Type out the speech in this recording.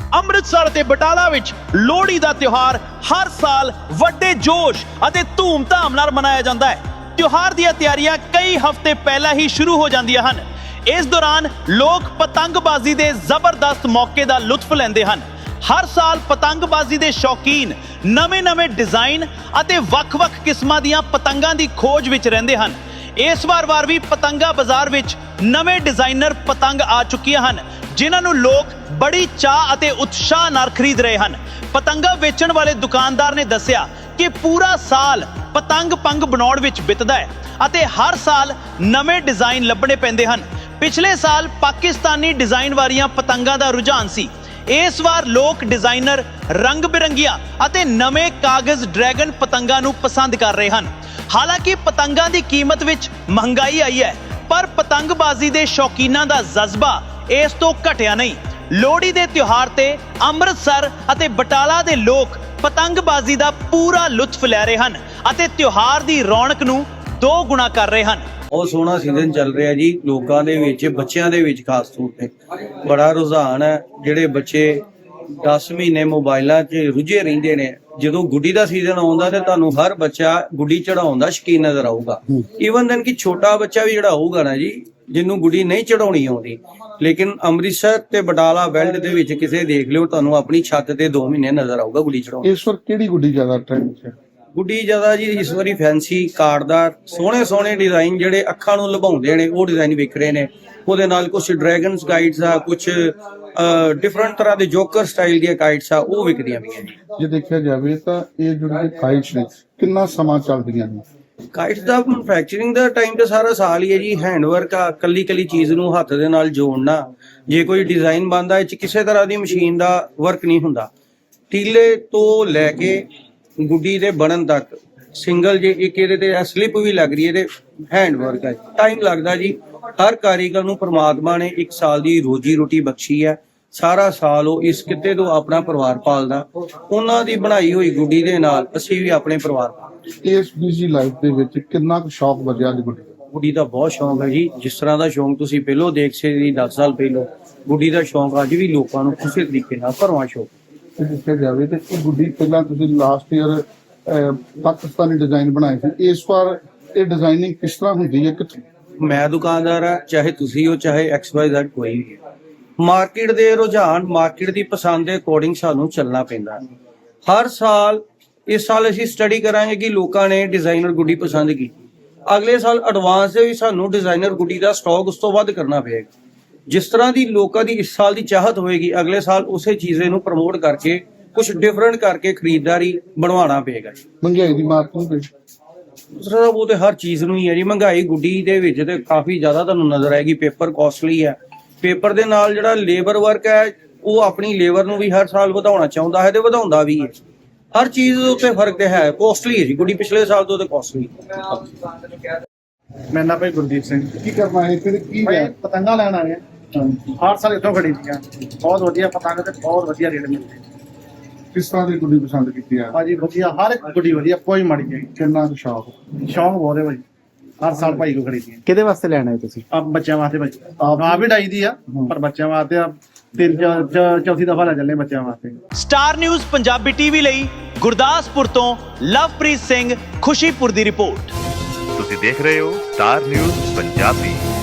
ਅੰਮ੍ਰਿਤਸਰ ਤੇ ਬਟਾਲਾ ਵਿੱਚ ਲੋਹੜੀ ਦਾ ਤਿਉਹਾਰ ਹਰ ਸਾਲ ਵੱਡੇ ਜੋਸ਼ ਅਤੇ ਧੂਮ-ਧਾਮ ਨਾਲ ਮਨਾਇਆ ਜਾਂਦਾ ਹੈ। ਤਿਉਹਾਰ ਦੀਆਂ ਤਿਆਰੀਆਂ ਕਈ ਹਫ਼ਤੇ ਪਹਿਲਾਂ ਹੀ ਸ਼ੁਰੂ ਹੋ ਜਾਂਦੀਆਂ ਹਨ। ਇਸ ਦੌਰਾਨ ਲੋਕ ਪਤੰਗਬਾਜ਼ੀ ਦੇ ਜ਼ਬਰਦਸਤ ਮੌਕੇ ਦਾ ਲੁਤਫ ਲੈਂਦੇ ਹਨ। ਹਰ ਸਾਲ ਪਤੰਗਬਾਜ਼ੀ ਦੇ ਸ਼ੌਕੀਨ ਨਵੇਂ-ਨਵੇਂ ਡਿਜ਼ਾਈਨ ਅਤੇ ਵੱਖ-ਵੱਖ ਕਿਸਮਾਂ ਦੀਆਂ ਪਤੰਗਾਂ ਦੀ ਖੋਜ ਵਿੱਚ ਰਹਿੰਦੇ ਹਨ। ਇਸ ਵਾਰ ਵੀ ਪਤੰਗਾ ਬਾਜ਼ਾਰ ਵਿੱਚ ਨਵੇਂ ਡਿਜ਼ਾਈਨਰ ਪਤੰਗ ਆ ਚੁੱਕੀਆਂ ਹਨ, ਜਿਨ੍ਹਾਂ ਨੂੰ ਲੋਕ ਬੜੀ ਚਾਅ ਅਤੇ ਉਤਸ਼ਾਹ ਨਾਲ ਖਰੀਦ ਰਹੇ ਹਨ। ਪਤੰਗਾ ਵੇਚਣ ਵਾਲੇ ਦੁਕਾਨਦਾਰ ਨੇ ਦੱਸਿਆ ਕਿ ਪੂਰਾ ਸਾਲ ਪਤੰਗ ਪੰਗ ਬਣਾਉਣ ਵਿੱਚ ਬਿਤਦਾ ਹੈ ਅਤੇ ਹਰ ਸਾਲ ਨਵੇਂ ਡਿਜ਼ਾਈਨ ਲੱਭਣੇ ਪੈਂਦੇ ਹਨ। ਪਿਛਲੇ ਸਾਲ ਪਾਕਿਸਤਾਨੀ ਡਿਜ਼ਾਈਨ ਵਾਲੀਆਂ ਪਤੰਗਾਂ ਦਾ ਰੁਝਾਨ ਸੀ। ਇਸ ਵਾਰ ਲੋਕ ਡਿਜ਼ਾਈਨਰ ਰੰਗ ਬਿਰੰਗੀਆਂ ਅਤੇ ਨਵੇਂ ਕਾਗਜ਼ ਡਰੈਗਨ ਪਤੰਗਾਂ ਨੂੰ ਪਸੰਦ ਕਰ ਰਹੇ ਹਨ। ਹਾਲਾਂਕਿ ਪਤੰਗਾਂ ਦੀ ਕੀਮਤ ਵਿੱਚ ਮਹਿੰਗਾਈ ਆਈ ਹੈ, ਪਰ ਪਤੰਗਬਾਜ਼ੀ ਦੇ ਸ਼ੌਕੀਨਾਂ ਦਾ ਜਜ਼ਬਾ ਇਸ ਤੋਂ ਘਟਿਆ ਨਹੀਂ। ਲੋਹੜੀ ਦੇ ਤਿਉਹਾਰ ਤੇ ਅੰਮ੍ਰਿਤਸਰ ਅਤੇ ਬਟਾਲਾ ਦੇ ਲੋਕ ਪਤੰਗਬਾਜ਼ੀ ਦਾ ਪੂਰਾ ਲੁਤਫ ਲੈ ਰਹੇ ਹਨ ਅਤੇ ਤਿਉਹਾਰ ਦੀ ਰੌਣਕ ਨੂੰ 2 ਗੁਣਾ ਕਰ ਰਹੇ ਹਨ। ਬਹੁਤ ਸੋਹਣਾ ਸੀਜ਼ਨ ਚੱਲ ਰਿਹਾ ਜੀ। ਲੋਕਾਂ ਦੇ ਵਿੱਚ, ਬੱਚਿਆਂ ਦੇ ਵਿੱਚ ਖਾਸ ਤੌਰ ਤੇ ਬੜਾ ਰੁਝਾਨ ਹੈ। ਜਿਹੜੇ ਬੱਚੇ 10 ਮਹੀਨੇ ਮੋਬਾਈਲਾਂ 'ਚ ਰੁੱਝੇ ਰਹਿੰਦੇ ਨੇ, ਜਦੋਂ ਗੁੱਡੀ ਦਾ ਸੀਜ਼ਨ ਆਉਂਦਾ ਤੇ ਤੁਹਾਨੂੰ ਹਰ ਬੱਚਾ ਗੁੱਡੀ ਚੜਾਉਣ ਦਾ ਸ਼ੌਕੀਨ ਨਜ਼ਰ ਆਊਗਾ। ਈਵਨ ਦੈਨ ਕਿ ਛੋਟਾ ਬੱਚਾ ਵੀ ਜਿਹੜਾ ਹੋਊਗਾ ਨਾ ਜੀ, ਜਿਹਨੂੰ ਗੁੱਡੀ ਨਹੀਂ ਚੜਾਉਣੀ ਆਉਂਦੀ, ਲੇਕਿਨ ਅੰਮ੍ਰਿਤਸਰ ਤੇ ਬਟਾਲਾ ਬੈਲਟ ਦੇ ਵਿੱਚ ਕਿਸੇ ਦੇਖ ਲਿਓ, ਤੁਹਾਨੂੰ ਆਪਣੀ ਛੱਤ ਤੇ 2 ਮਹੀਨੇ ਨਜ਼ਰ ਆਊਗਾ ਗੁੱਡੀ ਚੜਾਉਣ। ਇਸ ਵਾਰ ਕਿਹੜੀ ਗੁੱਡੀ ਜ਼ਿਆਦਾ ਟ੍ਰੈਂਡ 'ਚ ਹੈ? ਗੁੱਡੀ ਜ਼ਿਆਦਾ ਜੀ ਇਸ ਵਾਰੀ ਫੈਂਸੀ ਕਾਰਡਦਾਰ ਸੋਹਣੇ ਡਿਜ਼ਾਈਨ ਜਿਹੜੇ ਅੱਖਾਂ ਨੂੰ ਲੁਭਾਉਂਦੇ ਨੇ, ਉਹ ਡਿਜ਼ਾਈਨ ਵਿਕ ਰਹੇ ਨੇ। ਉਹਦੇ ਨਾਲ ਕੁਝ ਡਰੈਗਨਸ ਕਾਈਟਸ ਆ, ਕੁਝ ਡਿਫਰੈਂਟ ਤਰ੍ਹਾਂ ਦੇ ਜੋਕਰ ਸਟਾਈਲ ਦੀਆਂ ਕਾਈਟਸ ਆ, ਉਹ ਵਿਕਦੀਆਂ ਪਈਆਂ ਜੀ। ਜੇ ਦੇਖਿਆ ਜਾਵੇ ਤਾਂ ਇਹ ਜਿਹੜੇ ਕਾਈਟਸ ਨੇ ਕਿੰਨਾ ਸਮਾਂ ਚੱਲਦੀਆਂ ਨੇ? ਕਾਈਟਸ ਦਾ ਮੈਨੂਫੈਕਚਰਿੰਗ ਦਾ ਟਾਈਮ ਤਾਂ ਸਾਰਾ ਸਾਲ ਹੀ ਹੈ ਜੀ। ਹੈਂਡਵਰਕ ਆ, ਕੱਲੀ ਚੀਜ਼ ਨੂੰ ਹੱਥ ਦੇ ਨਾਲ ਜੋੜਨਾ। ਜੇ ਕੋਈ ਡਿਜ਼ਾਈਨ ਬਣਦਾ, ਇਹ 'ਚ ਕਿਸੇ ਤਰ੍ਹਾਂ ਦੀ ਮਸ਼ੀਨ ਦਾ ਵਰਕ ਨਹੀਂ ਹੁੰਦਾ। ਟੀਲੇ ਤੋਂ ਲੈ ਕੇ ਗੁੱਡੀ ਦੇ ਬਣਨ ਤੱਕ ਸਿੰਗਲ ਜੇ ਇੱਕ ਇਹਦੇ ਤੇ ਸਲਿੱਪ ਵੀ ਲੱਗ ਰਹੀ ਹੈ ਤੇ ਹੈਂਡਵਰਕ ਹੈ। ਟਾਈਮ ਲੱਗਦਾ ਜੀ। ਹਰ ਕਾਰੀਗਰ ਨੂੰ ਪ੍ਰਮਾਤਮਾ ਨੇ 1 ਸਾਲ ਦੀ ਰੋਜੀ ਰੋਟੀ ਬਖਸ਼ੀ ਹੈ। ਸਾਰਾ ਸਾਲ ਉਹ ਇਸ ਕਿੱਤੇ ਤੋਂ ਆਪਣਾ ਪਰਿਵਾਰ ਪਾਲਦਾ। ਉਹਨਾਂ ਦੀ ਬਣਾਈ ਹੋਈ ਗੁੱਡੀ ਦੇ ਨਾਲ ਅਸੀਂ ਵੀ ਆਪਣੇ ਪਰਿਵਾਰ ਪਾਲਦੇ। ਇਸ ਬਿਜ਼ੀ ਲਾਈਫ ਦੇ ਵਿੱਚ ਕਿੰਨਾ ਕੁ ਸ਼ੌਕ ਵਧਿਆ ਜੀ ਗੁੱਡੀ ਦਾ? ਗੁੱਡੀ ਦਾ ਬਹੁਤ ਸ਼ੌਂਕ ਹੈ ਜੀ। ਜਿਸ ਤਰ੍ਹਾਂ ਦਾ ਸ਼ੌਂਕ ਤੁਸੀਂ ਪਹਿਲੋਂ ਦੇਖ ਸਕਦੇ 10 ਸਾਲ ਪਹਿਲੋਂ, ਗੁੱਡੀ ਦਾ ਸ਼ੌਂਕ ਅੱਜ ਵੀ ਲੋਕਾਂ ਨੂੰ ਕਿਸੇ ਤਰੀਕੇ ਨਾਲ ਭਰਵਾਂ ਸ਼ੌਂਕ। ਜੇ ਦੇਖਿਆ ਜਾਵੇ ਤਾਂ ਇਹ ਗੁੱਡੀ ਪਹਿਲਾਂ ਤੁਸੀਂ ਲਾਸਟ ਈਅਰ ਪਾਕਿਸਤਾਨੀ ਡਿਜ਼ਾਈਨ ਬਣਾਏ ਸੀ, ਇਸ ਵਾਰ ਇਹ ਡਿਜ਼ਾਈਨਿੰਗ ਕਿਸ ਤਰ੍ਹਾਂ ਹੁੰਦੀ ਹੈ? ਕਿੱਥੇ? ਮੈਂ ਦੁਕਾਨਦਾਰ ਆ, ਚਾਹੇ ਤੁਸੀਂ ਹੋ ਚਾਹੇ XYZ ਕੋਈ ਵੀ ਹੈ। ਮਾਰਕੀਟ ਦੇ ਰੁਝਾਨ, ਮਾਰਕੀਟ ਦੀ ਪਸੰਦ ਦੇ ਅਕੋਰਡਿੰਗ ਸਾਨੂੰ ਚੱਲਣਾ ਪੈਂਦਾ। ਹਰ ਸਾਲ ਇਸ ਸਾਲ ਅਸੀਂ ਸਟੱਡੀ ਕਰਾਂਗੇ ਕਿ ਲੋਕਾਂ ਨੇ ਡਿਜ਼ਾਈਨਰ ਗੁੱਡੀ ਪਸੰਦ ਕੀਤੀ। ਅਗਲੇ ਸਾਲ ਐਡਵਾਂਸ ਦੇ ਵੀ ਸਾਨੂੰ ਡਿਜ਼ਾਈਨਰ ਗੁੱਡੀ ਦਾ ਸਟਾਕ ਉਸ ਤੋਂ ਵੱਧ ਕਰਨਾ ਪਏਗਾ। ਜਿਸ ਤਰ੍ਹਾਂ ਦੀ ਲੋਕਾਂ ਦੀ ਇਸ ਸਾਲ ਦੀ ਚਾਹਤ ਹੋਏਗੀ, ਅਗਲੇ ਸਾਲ ਉਸੇ ਚੀਜ਼ ਨੂੰ ਪ੍ਰਮੋਟ ਕਰਕੇ ਕੁਝ ਡਿਫਰੈਂਟ ਕਰਕੇ ਖਰੀਦਦਾਰੀ ਬਣਵਾਉਣਾ ਪਏਗਾ। ਮਹਿੰਗਾਈ ਦੀ ਮਾਰ ਤੋਂ ਦੂਸਰਾ ਉਹ ਤੇ ਹਰ ਚੀਜ਼ ਨੂੰ ਹੀ ਹੈ ਜੀ। ਮਹਿੰਗਾਈ ਗੁੱਡੀ ਦੇ ਵਿੱਚ ਤੇ ਕਾਫੀ ਜ਼ਿਆਦਾ ਤੁਹਾਨੂੰ ਨਜ਼ਰ ਆਏਗੀ। ਪੇਪਰ ਕਾਸਟਲੀ ਹੈ। ਪੇਪਰ ਦੇ ਨਾਲ ਜਿਹੜਾ ਲੇਬਰ ਵਰਕ ਹੈ, ਉਹ ਆਪਣੀ ਲੇਬਰ ਨੂੰ ਵੀ ਹਰ ਸਾਲ ਵਧਾਉਣਾ ਚਾਹੁੰਦਾ ਹੈ ਤੇ ਵਧਾਉਂਦਾ ਵੀ ਹੈ। ਹਰ ਚੀਜ਼ ਦੇ ਉੱਤੇ ਫਰਕ ਤੇ ਹੈ। ਕਾਸਟਲੀ ਹੈ ਜੀ ਗੁੱਡੀ, ਪਿਛਲੇ ਸਾਲ ਤੋਂ ਤੇ ਕਾਸਟਲੀ। ਮੇਰਾ ਨਾਮ ਭਾਈ ਗੁਰਦੀਪ ਸਿੰਘ। ਕੀ ਕਰਨਾ ਹੈ ਫਿਰ? ਕੀ ਭਾਈ ਹੈ? ਪਤੰਗਾਂ ਲੈਣ ਆਏ ਆ। ਹਰ ਸਾਲ ਇੱਥੋਂ ਖਰੀਦੀਆਂ। ਬਹੁਤ ਵਧੀਆ ਪਤੰਗ ਤੇ ਬਹੁਤ ਵਧੀਆ ਰੇਟ ਮਿਲਦੇ। ਕਿਸ ਤਰ੍ਹਾਂ ਦੀ ਗੁੱਡੀ ਪਸੰਦ ਕੀਤੀ ਹੈ? ਭਾਜੀ ਵਧੀਆ, ਹਰ ਇੱਕ ਗੁੱਡੀ ਵਧੀਆ, ਕੋਈ ਮਾੜੀ ਨਹੀਂ। ਕਿੰਨਾ ਕੁ ਸ਼ੌਕ? ਸ਼ੌਂਕ ਬਹੁਤ ਹੈ ਭਾਜੀ। ਹਰ ਸਾਲ ਭਾਈ ਕੋ ਖਰੀਦੀਆਂ। ਕਿਹਦੇ ਵਾਸਤੇ ਲੈਣਾ ਹੈ ਤੁਸੀਂ? ਆ ਬੱਚਿਆਂ ਵਾਸਤੇ ਭਾਜੀ। ਆਪ ਵੀ ਡਾਈ ਦੀ ਆ, ਪਰ ਬੱਚਿਆਂ ਵਾਸਤੇ ਆ 3-4 ਦਫਾ ਲੈ ਚੱਲੇ ਬੱਚਿਆਂ ਵਾਸਤੇ। ਸਟਾਰ ਨਿਊਜ਼ ਪੰਜਾਬੀ ਟੀਵੀ ਲਈ ਗੁਰਦਾਸਪੁਰ ਤੋਂ ਲਵਪ੍ਰੀਤ ਸਿੰਘ, ਖੁਸ਼ੀਪੁਰ ਦੀ ਰਿਪੋਰਟ। ਤੁਸੀਂ ਦੇਖ ਰਹੇ ਹੋ ਸਟਾਰ ਨਿਊਜ਼ ਪੰਜਾਬੀ।